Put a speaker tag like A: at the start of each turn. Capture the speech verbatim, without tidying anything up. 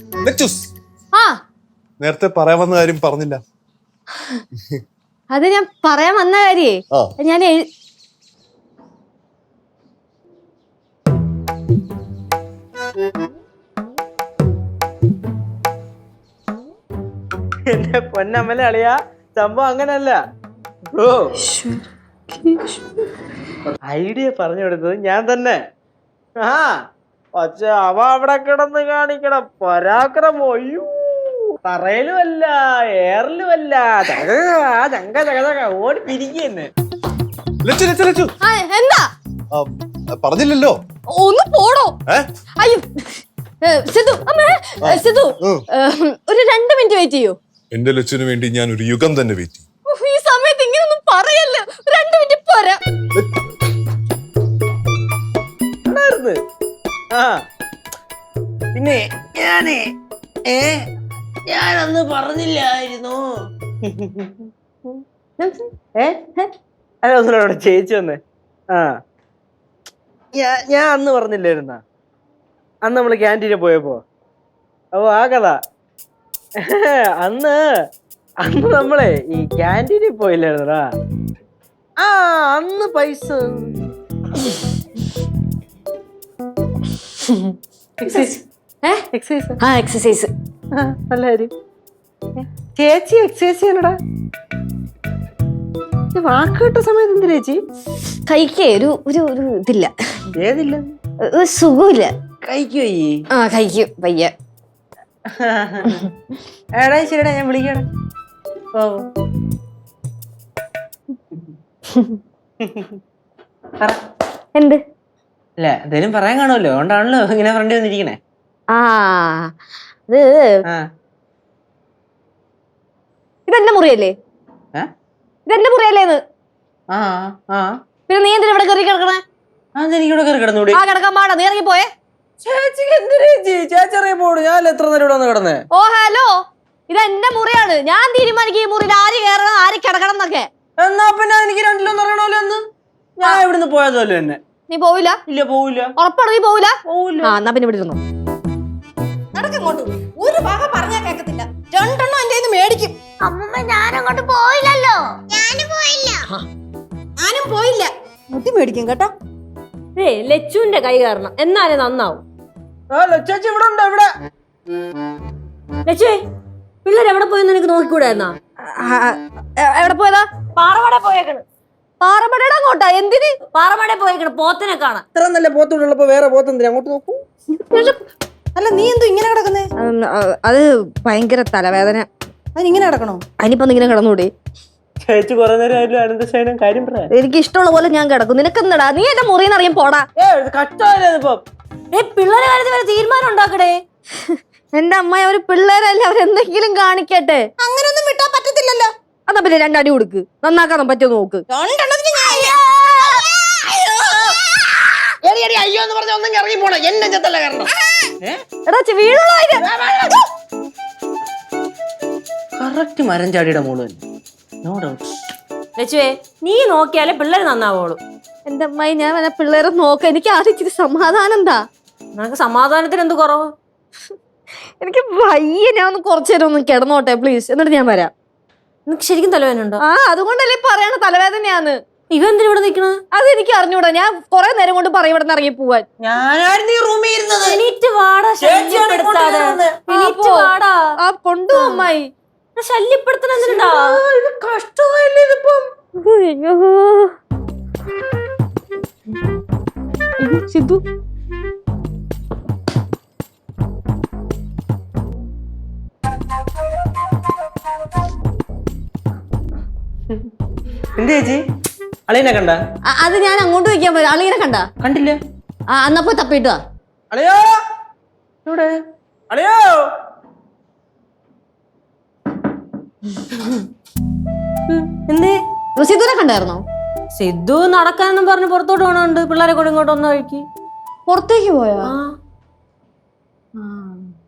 A: ആ
B: നേരത്തെ പറയാൻ വന്ന കാര്യം പറഞ്ഞില്ല.
A: അത് ഞാൻ പറയാൻ വന്ന കാര്യേ ഞാൻ
C: എന്റെ പൊന്നമ്മല അളിയാ, സംഭവം അങ്ങനല്ല. ഓ ഐഡിയ പറഞ്ഞു കൊടുത്തത് ഞാൻ തന്നെ. ആ പക്ഷെ അവ അവിടെ കിടന്ന് കാണിക്കണം പരാക്രമം. അയ്യോ, തറയിലുമല്ല എയറിലുമല്ല, ചങ്ക ചക ഓടി പിരിക്കുന്നു.
A: എന്താ
B: പറഞ്ഞില്ലല്ലോ,
A: ഒന്ന് പോടോ. അയ്യോ സിധു, അമ്മേ സിധു, ഒരു രണ്ട് മിനിറ്റ് വെയിറ്റ് ചെയ്യൂ.
B: എന്റെ ലക്ഷ്യന് വേണ്ടി ഞാൻ ഒരു യുഗം തന്നെ വെയിറ്റ് ചെയ്യും.
A: ഈ സമയത്ത് ഇങ്ങനൊന്നും പറയല്ലോ, രണ്ട് മിനിറ്റ് പോരാ.
C: ആ പിന്നെ ഞാനേ ഏ ഞാനന്ന് പറഞ്ഞില്ലായിരുന്നു. ഏ അതൊന്നിവിടെ ചേച്ചി വന്നേ. ആ ഞാ ഞാൻ അന്ന് പറഞ്ഞില്ലായിരുന്ന, അന്ന് നമ്മള് ക്യാൻറ്റീനിൽ പോയപ്പോ. അപ്പൊ ആ കഥ അന്ന് അന്ന് നമ്മളെ ഈ ക്യാൻറ്റീനിൽ പോയില്ലായിരുന്നടാ. ആ അന്ന് പൈസ
A: എക്സസൈസ്
C: നല്ല കാര്യം. ചേച്ചി എക്സസൈസ് ചെയ്യണടാ. വാക്ക് കിട്ട സമയത്ത് എന്ത് ചേച്ചി
A: കൈക്ക് ഒരു ഒരു ഒരു ഇതില്ല.
C: ഏതില്ല?
A: സുഖമില്ല.
C: കഴിക്കോ?
A: ആ കഴിക്കും പയ്യ.
C: എടാ ശരിടാ, ഞാൻ വിളിക്കണം. ഓ
A: എന്ത്?
C: അല്ല എന്തേലും പറയാൻ കാണുമല്ലോ, അതുകൊണ്ടാണല്ലോ ഇങ്ങനെ ഫ്രണ്ട് വന്നിരിക്കണേ.
A: ആ അത് ഇതെന്റെ മുറിയല്ലേ? ഇതെന്റെ മുറിയല്ലേന്ന്? പിന്നെ നീ എന്തിനാ ഇവിടെ കയറി കിടക്കണേ?
C: എനിക്കിവിടെ കയറി കിടന്നൂടെ?
A: ആ കിടക്കാൻ പാടാ, നീ ഇറങ്ങി പോയേ.
C: ചേച്ചിക്ക് എന്തിനാ ചേച്ചി? ചേച്ചി ഇറങ്ങി പോടും, ഞാൻ എത്ര നേരം ഇവിടെ വന്ന് കിടന്നേ.
A: ഓ ഹലോ, ഇത് എന്റെ മുറിയാണ്. ഞാൻ തീരുമാനിക്കും ഈ മുറിയിൽ ആര് കയറണം ആര് കിടക്കണം എന്നൊക്കെ.
C: എന്നാ പിന്നെ എനിക്ക് രണ്ടിലൊന്നും അറിയണമല്ലോ എന്ന്. ഞാൻ ഇവിടുന്ന് പോയതല്ലോ എന്നെ.
A: നീ പോവില്ല?
C: ഇല്ല പോവില്ല.
A: ഉറപ്പാണ് നീ പോവില്ല?
C: പോവില്ല.
A: ആ എന്നാ പിന്നെ ഇവിടെ ഇരുന്നു.
D: നടക്കങ്ങോട്ട്. ഒരു ഭാഗം പറഞ്ഞാൽ കേൾക്കത്തില്ല, രണ്ടെണ്ണം എന്റെ കയ്യിൽ മേടിക്കും.
E: അമ്മമ്മ ഞാനങ്ങോട്ട് പോയില്ലല്ലോ. ഞാനും പോയില്ല.
D: ഞാനും പോയില്ല. മുട്ടി മേടിക്കും കേട്ടോ.
A: ഏ ലച്ചുവിന്റെ കൈ കാരണം എന്നാലേ നന്നാവും.
C: ചേച്ചി ഇവിടെ ഉണ്ട്. ഇവിടെ
A: ലച്ചുവേ, പിള്ളേർ എവിടെ പോയെന്ന് എനിക്ക് നോക്കിക്കൂടായിരുന്നാ? എവിടെ പോയതാ?
D: പാറമട പോയേക്കണ്.
A: പാറമടയുടെ അങ്ങോട്ടാ? എന്തിന്?
D: പാറമട പോയേക്കണ് പോത്തിനെ കാണാൻ.
C: ഇത്ര നല്ല പോത്തുള്ളപ്പോ വേറെ പോത്തെന്തിനാ? അങ്ങോട്ട് നോക്കൂ.
D: അല്ല നീ എന്തോ ഇങ്ങനെ കിടക്കുന്നേ?
A: അത് ഭയങ്കര തലവേദന.
D: അതിനിങ്ങനെ കിടക്കണോ?
A: അതിനിപ്പോ ഇങ്ങനെ കിടന്നൂടെ?
C: ചേച്ചി കുറെ നേരം അനന്തശയനം കാര്യം പറയാ.
A: എനിക്ക് ഇഷ്ടമുള്ള പോലെ ഞാൻ കിടക്കും. നിനക്കെന്നടാ? നീ എന്റെ മുറിന്ന് അറിയാൻ പോടാ.
D: പിള്ളേരെ കാര്യത്തിൽ വരെ തീരുമാനം ഉണ്ടാക്കടേ.
A: എന്റെ അമ്മ, അവര് പിള്ളേരല്ലേ, അവരെന്തെങ്കിലും കാണിക്കട്ടെ.
D: അങ്ങനൊന്നും വിട്ടാ പറ്റത്തില്ലല്ലോ.
A: അതാ പിന്നെ രണ്ടടി കൊടുക്ക്, നന്നാക്കാൻ പറ്റുമോ നോക്ക്.
C: അയ്യോ എന്ന് പറഞ്ഞ ഒന്നും ഇറങ്ങി പോണേ, എന്നെ ചെത്തല്ല കാരണം. കറക്റ്റ് മരം ചാടിയുടെ മോള് തന്നെ. No doubt.
A: ലച്ചുവേ, നീ നോക്കിയാലേ പിള്ളേര് നന്നാവോളൂ. എന്റെ അമ്മായി, ഞാൻ വല്ല പിള്ളേരെ നോക്ക. എനിക്ക് ആദ്യം ഇച്ചിരി സമാധാനം എന്താ?
D: നിനക്ക് സമാധാനത്തിന് എന്ത് കുറവ്?
A: എനിക്ക് വയ്യ, ഞാൻ ഒന്ന് കുറച്ചു നേരം ഒന്ന് കിടന്നോട്ടെ പ്ലീസ്, എന്നിട്ട് ഞാൻ വരാം.
D: നിനക്ക് ശരിക്കും തലവേദന ഉണ്ടോ?
A: ആ അതുകൊണ്ടല്ലേ പറയണ തലവേദനയാന്ന്.
D: ഇവ എന്തിനാ ഇവിടെ നിക്കണ?
A: അത് എനിക്ക് അറിഞ്ഞൂടാ. ഞാൻ കൊറേ നേരം കൊണ്ട് പറയും ഇവിടെ നിന്ന് ഇറങ്ങി പോവാൻ.
C: ഞാനായിരുന്നു ഈ റൂമിൽ ഇരുന്നത്.
D: എണീറ്റ് വാടാ, ശല്യപ്പെടുത്താതെ. എണീറ്റ് വാടാ.
A: ആ കൊണ്ടു അമ്മായി.
D: ശല്യപ്പെടുത്തണ എന്തിനാ?
C: ഇത് കഷ്ടമായില്ലേ ഇതിപ്പം.
A: അയ്യോ സിദ്ധു,
C: എന്ത് ചേച്ചി? അളിയനെ കണ്ട?
A: അത് ഞാൻ അങ്ങോട്ട് വയ്ക്കാൻ പോയി. അളിയനെ കണ്ട?
C: കണ്ടില്ല.
A: ആ എന്നാ പോയി തപ്പിട്ടുവാ.
C: അളിയോ ഇവിടെ, അളിയോ.
D: എന്തേ?
A: സിദ്ധുനെ കണ്ടായിരുന്നോ?
D: സിദ്ധു നടക്കാനെന്നും പറഞ്ഞ് പുറത്തോട്ട് പോണുണ്ട്. പിള്ളേരെ കൂടെ ഇങ്ങോട്ട് വന്ന വഴിക്ക്
A: പുറത്തേക്ക് പോയോ?
D: ആ